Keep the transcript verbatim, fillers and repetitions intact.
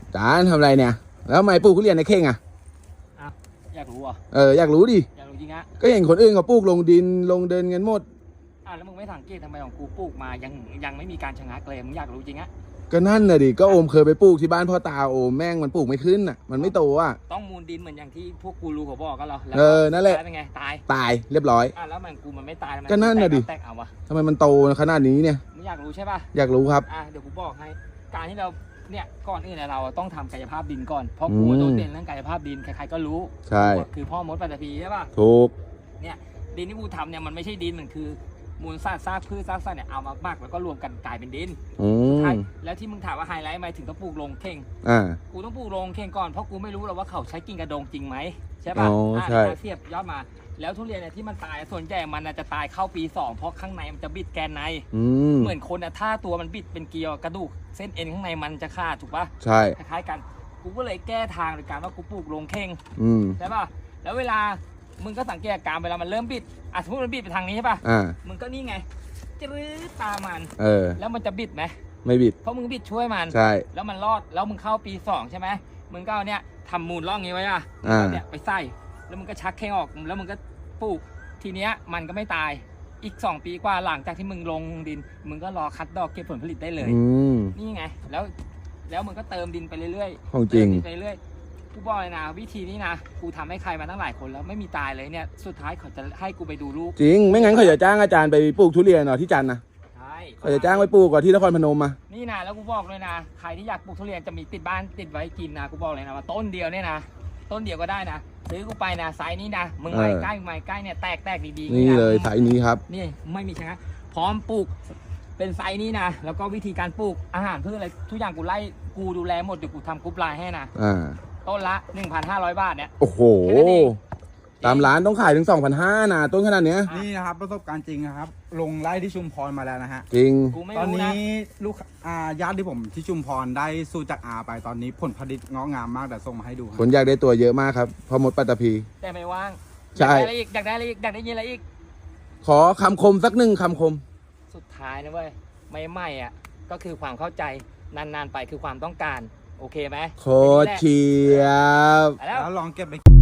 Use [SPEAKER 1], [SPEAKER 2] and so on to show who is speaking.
[SPEAKER 1] จานทำอะไรเนี่ยแล้วทำไมปลูกทุเรียนในเข่งอ่ะ
[SPEAKER 2] อ้าวอยากรู้อ่ะ
[SPEAKER 1] เอออยากรู้ดิ
[SPEAKER 2] อยากรู้จริงฮะ
[SPEAKER 1] ก็เห็นคนอื่นเขาปลูกลงดินลงเดินกันหมด
[SPEAKER 2] อ่ะแล้วมึงไม่สังเกตทำไมของกูปลูกมายังยังไม่มีการชะงักเลยมึงอยากรู้จริงฮะ
[SPEAKER 1] ก็นั่นน่ะดิก็โอมเคยไปปลูกที่บ้านพ่อตาโอมแม่งมันปลูกไม่ขึ้นอ่ะมันไม่โตอ่ะ
[SPEAKER 2] ต้องมูลดินเหมือนอย่างที่พวกกูรู้เขาบอกกันเหรอแล้ว
[SPEAKER 1] เออนั่นแหละ
[SPEAKER 2] เป็นไงตาย
[SPEAKER 1] ตายเรียบร้อย
[SPEAKER 2] อ่ะแล้วมันกูมันไม่ตายทำไม
[SPEAKER 1] ก็นั่นน่ะดิ
[SPEAKER 2] แตกเอาวะ
[SPEAKER 1] ทำไมมันโตขนาดนี้เนี่ย
[SPEAKER 2] มึงอยากรู้ใช่ป่ะ
[SPEAKER 1] อยากรู้ครับ
[SPEAKER 2] อ่ะเดี๋ยวกูบอกให้การที่เราเนี่ยก่อนอื่นเนี่ยเราต้องทำกายภาพดินก่อนเพราะกู
[SPEAKER 1] อืม
[SPEAKER 2] โดดเด่นเรื่องกายภาพดินใครๆก็รู้
[SPEAKER 1] ใช่
[SPEAKER 2] กูคือพ่อมดปัตตภีใช่ป่ะ
[SPEAKER 1] ถูก
[SPEAKER 2] เนี่ยดินที่กูทำเนี่ยมันไม่ใช่ดินมันคือมูลซากซากพืชซากสัตว์เนี่ยเอามาหมักแล้วก็รวมกันกลายเป็นดิน
[SPEAKER 1] อืม
[SPEAKER 2] ใช่แล้วที่มึงถามว่าไฮไลท์ไหมถึงต้องปลูกลงเข่ง
[SPEAKER 1] อ่า
[SPEAKER 2] กูต้องปลูกลงเข่งก่อนเพราะกูไม่รู้หรอกว่าเขาใช้กิ่งกระดงจริงไหมใช่ป่ะ
[SPEAKER 1] อ๋อใช่
[SPEAKER 2] อ่าเสียบยอดมาแล้วทุเรียนเนี่ยที่มันตายส่วนใหญ่มันน่ะจะตายเข้าปีสองเพราะข้างในมันจะบิดแกนใน
[SPEAKER 1] อืม
[SPEAKER 2] เหมือนคนอะถ้าตัวมันบิดเป็นเกลียวกระดูกเส้นเอ็นข้างในมันจะขาดถูกป่ะ
[SPEAKER 1] ใช่
[SPEAKER 2] คล้ายๆกันกูก็เลยแก้ทางโดยการว่ากูปลูกลงเข่ง
[SPEAKER 1] อืม
[SPEAKER 2] ใช่ป่ะแล้วเวลามึงก็สังเกตอาการเวลามันเริ่มบิดอ่ะสมมติมันบิดไปทางนี้ใช่ป่ะ
[SPEAKER 1] อ่า
[SPEAKER 2] มึงก็นี่ไงจืดตามมัน
[SPEAKER 1] เออ
[SPEAKER 2] แล้วมันจะบิดไหม
[SPEAKER 1] ไม่บิด
[SPEAKER 2] เพราะมึงบิดช่วยมัน
[SPEAKER 1] ใช่
[SPEAKER 2] แล้วมันรอดแล้วมึงเข้าปีสองใช่ไหมมึงก็เอาเนี่ยทำมูลร่องนี้ไว้อะ
[SPEAKER 1] อ่า
[SPEAKER 2] เนี่ยไปใส่แล้วมึงก็ชักแข้งออกแล้วมึงก็ปลูกทีเนี้ยมันก็ไม่ตายอีกสองปีกว่าหลังจากที่มึงลงดิน มึงก็รอคัดดอกเก็บผลผลิตได้เลย
[SPEAKER 1] อืม
[SPEAKER 2] นี่ไงแล้วแล้วมึงก็เติมดินไปเรื่อยๆ
[SPEAKER 1] ของจริง
[SPEAKER 2] เติมดินไปเรื่อยกูบอกเลยนะวิธีนี้นะกูทำให้ใครมาตั้งหลายคนแล้วไม่มีตายเลยเนี่ยสุดท้ายเขาจะให้กูไปดูลูก
[SPEAKER 1] จริงไม่งั้นเขาจะจ้างอาจารย์ไปปลูกทุเรียนเหรอที่จันทร์นะ
[SPEAKER 2] ใช่
[SPEAKER 1] เขาจะจ้างไปปลูกก่อนที่นครพนมมา
[SPEAKER 2] นี่นะแล้วกูบอกเลยนะใครที่อยากปลูกทุเรียนจะมีติดบ้านติดไว้กินนะกูบอกเลยนะว่าต้นเดียวเนี่ยนะต้นเดียวก็ได้นะซื้อกูไปนะไซส์นี้นะมึงไม้ใกล้มึงไม้ใกล้เนี่ยแตกแตกดีๆ
[SPEAKER 1] นี่
[SPEAKER 2] ะ
[SPEAKER 1] เลยสายนี้ครับ
[SPEAKER 2] นี่ไม่มีชนะพร้อมปลูกเป็นไซส์นี้นะแล้วก็วิธีการปลูกอาหารพืชอะไรทุกอย่างกูไล่กูดูแลหมดเดี๋ยวกูทำกรุ๊ปไลน์ให้นะ
[SPEAKER 1] อ่า
[SPEAKER 2] ต้นละ หนึ่งพันห้าร้อย บาทเนี่ย
[SPEAKER 1] โอ้โห
[SPEAKER 2] แค่นั้นเอง
[SPEAKER 1] ตามร้านต้องขายถึง สองพันห้าร้อย นะต้นขนาดเนี้ย
[SPEAKER 3] นี่นะครับประสบการณ์จริงนะครับ ลงไล่ที่ชุมพรมาแล้วนะฮะ
[SPEAKER 1] จริง
[SPEAKER 2] กูไม่
[SPEAKER 3] ตอน
[SPEAKER 2] รู้นะ
[SPEAKER 3] นี้ลูกอ่าญาติที่ผมที่ชุมพรได้สู้จากอาไปตอนนี้ผลผลิตงอกงามมากแต่ส่งมาให้ดูค
[SPEAKER 1] ครับ นอยากได้ตัวเยอะมากครับพอหมดปัตตภี
[SPEAKER 2] แต่ไม่ว่าง
[SPEAKER 1] ใช่
[SPEAKER 2] อยากได้อะไรอีกอยากได้อะไรอีกอยากได้ยินอะไรอีก
[SPEAKER 1] ขอคำคมสักหนึ่งคำคม
[SPEAKER 2] สุดท้ายนะเว้ยไม่ไม่อ่ะก็คือความเข้าใจนานๆไปคือความต้องการโอเคไหม
[SPEAKER 1] โคตรเชียบ
[SPEAKER 2] ไปแล้ว
[SPEAKER 3] แล้วลองเก็บไป